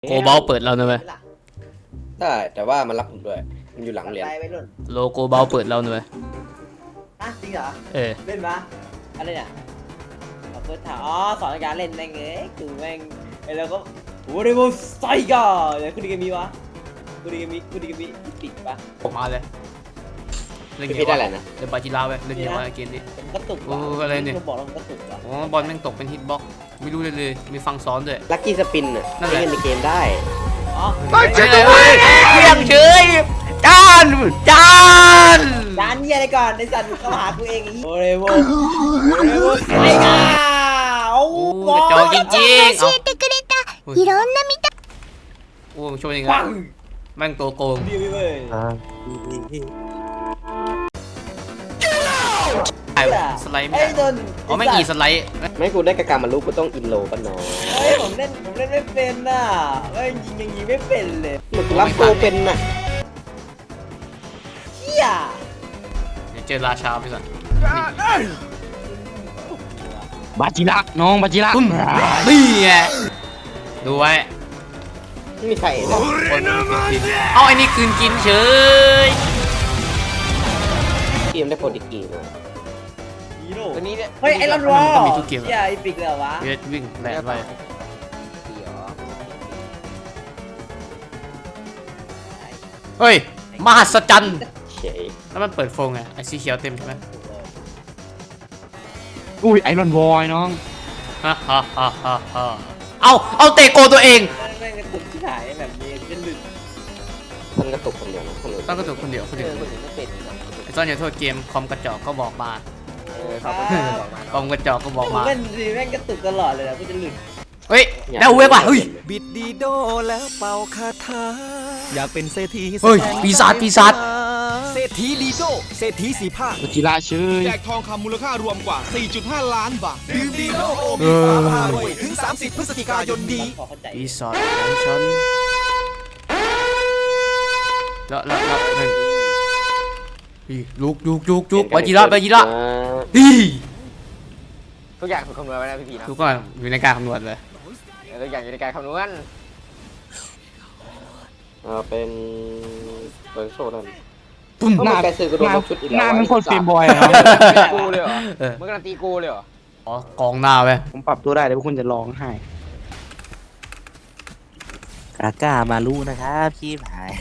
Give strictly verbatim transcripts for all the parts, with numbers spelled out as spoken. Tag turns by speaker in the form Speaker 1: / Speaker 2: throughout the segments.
Speaker 1: โกบอลเปิดเราหน่อยไหม
Speaker 2: ได้แต่ว่ามันรับผมด้วยมันอยู่หลังเรียน
Speaker 1: โลโกบอลเปิดเราหน่อยไหม
Speaker 3: ฮะจริงเหรอ
Speaker 1: เออ
Speaker 3: เล่นปะอะไรเนี่ยเอาเฟิร์สถามอ๋อสอนการเล่นแม่งเอ้ยกูแม่งไอ้เราก็โอ้ยโมไซก้าเดี๋ยวคุณดีกันมีวะคุณดีกันมีคุณดีกันมีติดปะ
Speaker 1: ผมมาเลยเล่นเก
Speaker 2: พี่
Speaker 1: ม
Speaker 2: ได้อะไรนะ
Speaker 1: เล่นบาจิลาไปเล่นเกมอะไรเกมนี้
Speaker 3: ผมกระตุก
Speaker 1: โอ้อะไรเนี่ย
Speaker 3: บอกแล้วผมกระตุกว่ะ
Speaker 1: อ๋อบอลแม่งตกเป็นฮิตบ็อกไม่รู้เลยเลยมีฟังซ้อนด้วย
Speaker 2: ลัคกี้สปินอ่ะ
Speaker 1: นั่นแหละ
Speaker 2: เล่นในเกมได้
Speaker 3: อ๋อ
Speaker 1: เฉยเลยเพียงเฉยจานจาน
Speaker 3: ร้านเยี่ยอะไรก่อนในสัตว์เข้ามาหากูเองโอ้ยโมโอ้ยโมไซก้าโอ้
Speaker 1: โอ้กระจอกจริงๆเอา
Speaker 4: いろんな見た
Speaker 1: โอ้ช่วยยังไงแม่งตัวโกง
Speaker 3: ดีเว้ย
Speaker 1: ไอ้สไลด์ไม่
Speaker 3: ไอ้
Speaker 1: ได้
Speaker 3: โดน
Speaker 1: อ๋อไม่กี่สไลด์
Speaker 2: ไม่กูได้กระกามาลูกกูต้องอินโลกันน้อง
Speaker 3: เฮ้ยผมเล่นผมเล่นไม่เป็นน่ะเฮ้ยยิงยังยิงไม่เป็นเลย
Speaker 2: มันรับโกเป็นน่ะ
Speaker 3: เฮีย
Speaker 1: เดี๋ยวเจอราชาไปสัก
Speaker 5: บาจิระน้องบาจิระ
Speaker 1: ตุ้มนี่ไงดูไว้
Speaker 2: ไม่มีใครเลย
Speaker 1: คนกินเอาไอ้นี่คืนกินเฉย
Speaker 2: เกมได้โปรดิกีมา
Speaker 3: ฮีโร่
Speaker 2: ตัวนี้เนี่ย
Speaker 3: เฮ้ยไอรอนวอล
Speaker 1: มันมีทุกเกม
Speaker 3: เฮียไอปิกเลยเหรอวะ
Speaker 1: เวทวิ่งแหลกไปเฮ้ยมหัศจรรย์
Speaker 2: เฉย
Speaker 1: แล้วมันเปิดโฟงไงไอ้สีเขียวเต็มใช่ไหม
Speaker 5: อุ้ยไอรอนวอยน้อง
Speaker 1: ฮ่าฮ่าฮ่าฮ่าฮ่าเอาเอาเตะโกตัวเอง
Speaker 3: แม่งกระตุกที่หายแบบนี้จะหลุด
Speaker 2: มันกระตุกคนเดียวนะคนอื่น
Speaker 1: ต้องกระตุกคนเดียวคน
Speaker 2: เอ
Speaker 1: เดียว
Speaker 2: อคนอื่นไม่เป็น
Speaker 1: ไอ้ซ่อนอย่าโทษเกมคอมกระจอกก็บอกมา
Speaker 2: เออครับ
Speaker 1: คอมกระจอกก็บอก
Speaker 3: ผม
Speaker 1: มา
Speaker 3: เล่นสิแม่งกระตุกตลอดเลยนะกูจะหลุด
Speaker 1: เฮ้ยได้เวกว่ะเฮ้ย
Speaker 6: บิดดีโดแล้วเป่าคาถาอยากเป็นเศรษฐี
Speaker 1: เฮ้ยปีศาจปีศาจ
Speaker 6: เศรษฐีดีโดเศรษฐีสีผ้า
Speaker 5: บาจิระเชย
Speaker 7: แจกทองคำมูลค่ารวมกว่า สี่จุดห้า ล้านบาท
Speaker 6: ดื่มดีโดโอมีฟ้าพารวยถึง สามสิบ พฤศจิกายนนี้
Speaker 3: พอเข้าใจ
Speaker 1: ปีศาจของฉันแล้วแล้วแล้วหนึ่งลุกลุกลุกลุกบาจิระบาจิระดี
Speaker 2: ทุกอย่างถูกคำนวณไว้นะพี่พีนะ
Speaker 1: ทุกคนอยู่ในการคำนวณเลย
Speaker 2: ทุกอย่างอยู่ในการคำนวณเออเป็นเบิร์นโซ่นั่น
Speaker 1: ปุ้ม
Speaker 2: ก็มันแกซื้อก็โดนลบชุดอีก
Speaker 5: ห
Speaker 2: แล้ว
Speaker 5: น้ามันโคตรเฟรมบอยอะเนาะ
Speaker 2: กูเลยเหรอ
Speaker 1: เออ
Speaker 2: มึงการันตีกูเลยเหรอ
Speaker 1: อ๋อกองหน้าไป
Speaker 5: ผมปรับตัวได้แต่พวกคุณจะร้องไห้
Speaker 8: กาก้ามารู้นะครับพี่ผาย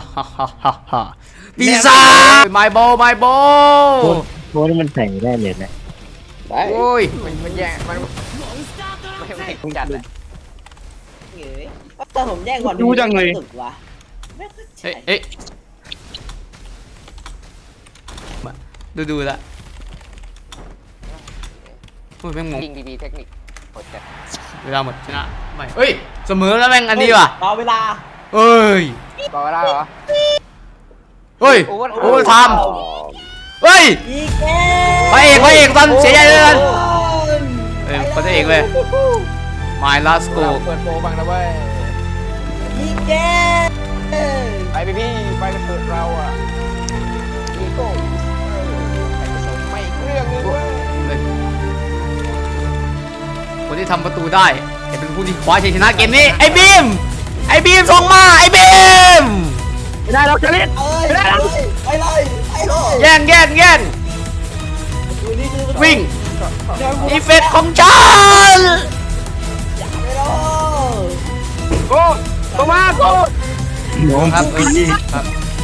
Speaker 1: ปีศาจไมโบไมโบ
Speaker 8: โค้ดมันใส่ได้เลยนะ
Speaker 2: ได้
Speaker 1: โอ้ย
Speaker 2: มันมันแย่งมันไม่ไม่คงจัดเลย
Speaker 3: เฮ้ยตอนผมแย่งก่อนกระตุกวะไม่เข้าใจ
Speaker 1: เอ้ยเอ้ยมาดูดูละโอ้ยแม่งงง
Speaker 2: จริงดีๆเทคนิคโคตรจัด
Speaker 1: เวลาหมดชนะไม่เฮ้ยเสมอแล้วแม่งอันนี้ว่ะ
Speaker 3: รอเวลา
Speaker 1: เอ้ย
Speaker 2: ต่อเวลาเหรอ
Speaker 1: เฮ้ย
Speaker 2: โอเวอร์
Speaker 1: โอเวอร์ไทม์เฮ้ย
Speaker 3: อีกแก้
Speaker 1: พระเอกพระเอกตอนเสียใจเลยกันเอ้ยพระเอกเว้ย My Last
Speaker 2: กู
Speaker 1: Goal
Speaker 2: เปิดโปรบังนะเว้ย
Speaker 3: อีกแก้
Speaker 2: ไปพี่พี่ไปกันเถิดเราอ่ะอีโก้ไปผสมไม่เรื่องนึงเว้ย
Speaker 1: คนที่ทำประตูได้จะเป็นผู้ที่คว้าชัยชนะเกมนี้ไอ้บีมไอ้บีมส่งมาไอ้บีม
Speaker 5: ไม่ได้เราจะเล่น
Speaker 3: เอ้ยไปเลยไปเลยไปเลย
Speaker 1: แย่งแย่งแย่งวิ่งอีเฟกของฉัน
Speaker 5: โก้ตัวมาโก้น้อง
Speaker 1: ครับเอ้ยครับ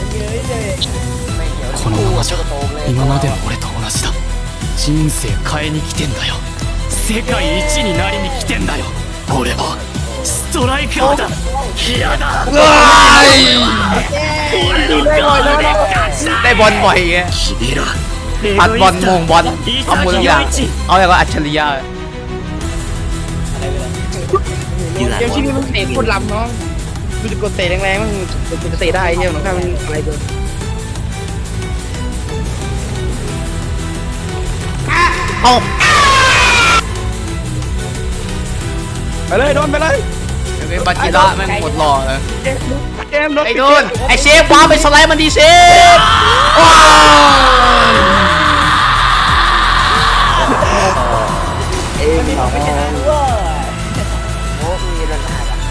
Speaker 6: このままじゃ今までの俺と同じだ人生変えに来てんだよ世界一になりに来てんだよ俺はストライカーだ嫌だ
Speaker 1: ว้ายได้บอลบ่อยไง
Speaker 6: 君ら
Speaker 1: ปัดบอลมงบอลทำหมดทุกอย่างเอาอย่างว่าอัจฉริยะ
Speaker 8: ยู
Speaker 5: เกมที่นี่มันเตะโคตรล้ำน้องดูจะกดเตะแรงๆมันมันจะเตะได้เหี้ยหรอถ้ามันอะไรเกิน
Speaker 1: เอา
Speaker 5: ไปเลยโดนไปเลย
Speaker 1: ไอ้บาจิระแม่งหมดหล่อเลย
Speaker 5: เกมรถ
Speaker 1: ไอ้โดนไอ้เชฟว้าไปสไลด์มันดีเชฟว้าว
Speaker 5: เอ็ม